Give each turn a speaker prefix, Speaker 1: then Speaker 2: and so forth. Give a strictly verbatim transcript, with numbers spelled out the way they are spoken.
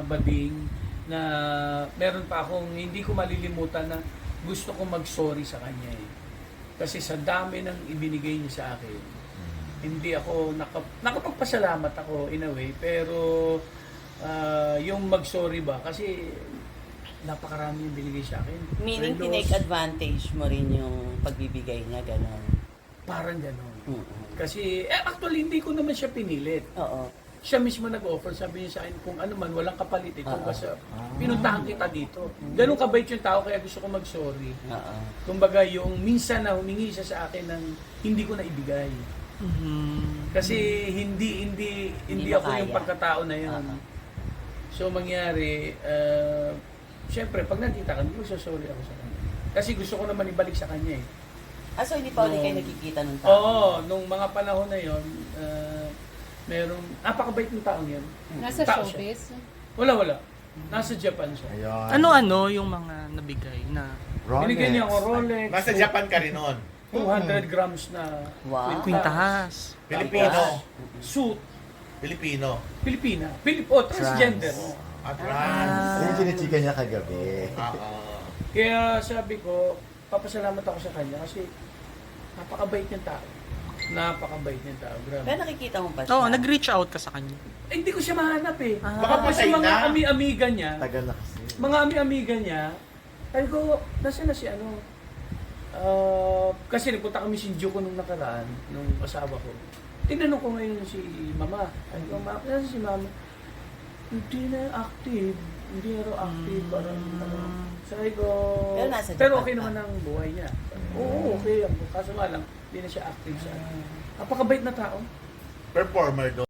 Speaker 1: bading na meron pa akong hindi ko malilimutan na gusto kong mag-sorry sa kanya eh. Kasi sa dami ng ibinigay niya sa akin, hindi ako nakap nakapagpasalamat ako in a way, pero uh, yung mag-sorry ba, kasi napakarami yung binigay sa akin.
Speaker 2: Meaning,
Speaker 1: Relos,
Speaker 2: tinake advantage mo rin yung pagbibigay niya, gano'n.
Speaker 1: parang gano'n.
Speaker 2: Mm-mm.
Speaker 1: Kasi, eh, actually, hindi ko naman siya pinilit.
Speaker 2: Oo.
Speaker 1: Siya mismo nag-offer, sabi niya sa akin, kung ano man, walang kapalit ito.
Speaker 2: Oo.
Speaker 1: Kasi pinuntahan kita dito. Ganun kabait yung tao, kaya gusto ko mag-sorry.
Speaker 2: Oo.
Speaker 1: Kumbaga, yung minsan na humingi siya sa akin ng hindi ko na ibigay.
Speaker 3: Mhm.
Speaker 1: Kasi hindi hindi hindi
Speaker 2: Hindi mo
Speaker 1: ako yung
Speaker 2: kaya.
Speaker 1: pagkatao na yun.
Speaker 2: Oo.
Speaker 1: So mangyari, uh, syempre pag nagkita kami, magsasorry ako sa kanya. Kasi gusto ko naman ibalik sa kanya eh.
Speaker 2: Ah, so hindi pa ulit kayo
Speaker 1: No.
Speaker 2: nakikita ng tao?
Speaker 1: Oo, nung mga panahon na yon, uh, merong napakabait ng taong yun.
Speaker 4: Nasa
Speaker 1: Tao siya.
Speaker 4: showbiz?
Speaker 1: Wala, wala. Nasa Japan siya.
Speaker 5: Ayun.
Speaker 3: Ano-ano yung mga nabigay na
Speaker 5: Rolex.
Speaker 1: Binigyan niya ako Rolex.
Speaker 6: Nasa Japan ka rin noon.
Speaker 1: two hundred grams na
Speaker 2: Wow.
Speaker 3: kwintahas?
Speaker 6: Filipino.
Speaker 1: Suit.
Speaker 6: Filipino.
Speaker 1: Pilipina. Pilip oh, transgender.
Speaker 5: Trans.
Speaker 6: At trans.
Speaker 5: Yan yung chinichika niya kagabi.
Speaker 6: Oo.
Speaker 1: Kaya sabi ko, papasalamat ako sa kanya kasi napakabait niyang tao. Napakabait niyang tao. Grabe.
Speaker 2: Pero nakikita mo ba siya?
Speaker 3: Oo, nag-reach out ka sa kanya.
Speaker 1: Eh, hindi ko siya mahanap eh.
Speaker 3: Ah.
Speaker 6: Baka
Speaker 1: Kasi
Speaker 6: patay
Speaker 1: mga
Speaker 6: na.
Speaker 1: ami-amiga niya,
Speaker 5: Tagal na kasi.
Speaker 1: mga ami-amiga niya, sabi ko, nasa na si ano? Ah, kasi nagpunta kami Shinjuku nung nakaraan, nung asawa ko. Tinanong ko ngayon si mama. Sabi ko, mama, nasa si mama? Hindi na active. Hindi na raw active. Parang, ano. Sabi ko,
Speaker 2: Pero nasa
Speaker 1: pero
Speaker 2: Japan
Speaker 1: okay
Speaker 2: pa.
Speaker 1: naman ang buhay niya. Oo, okay. Kaso nga lang, hindi na siya active sa. Napakabait na tao.
Speaker 6: Performer doon.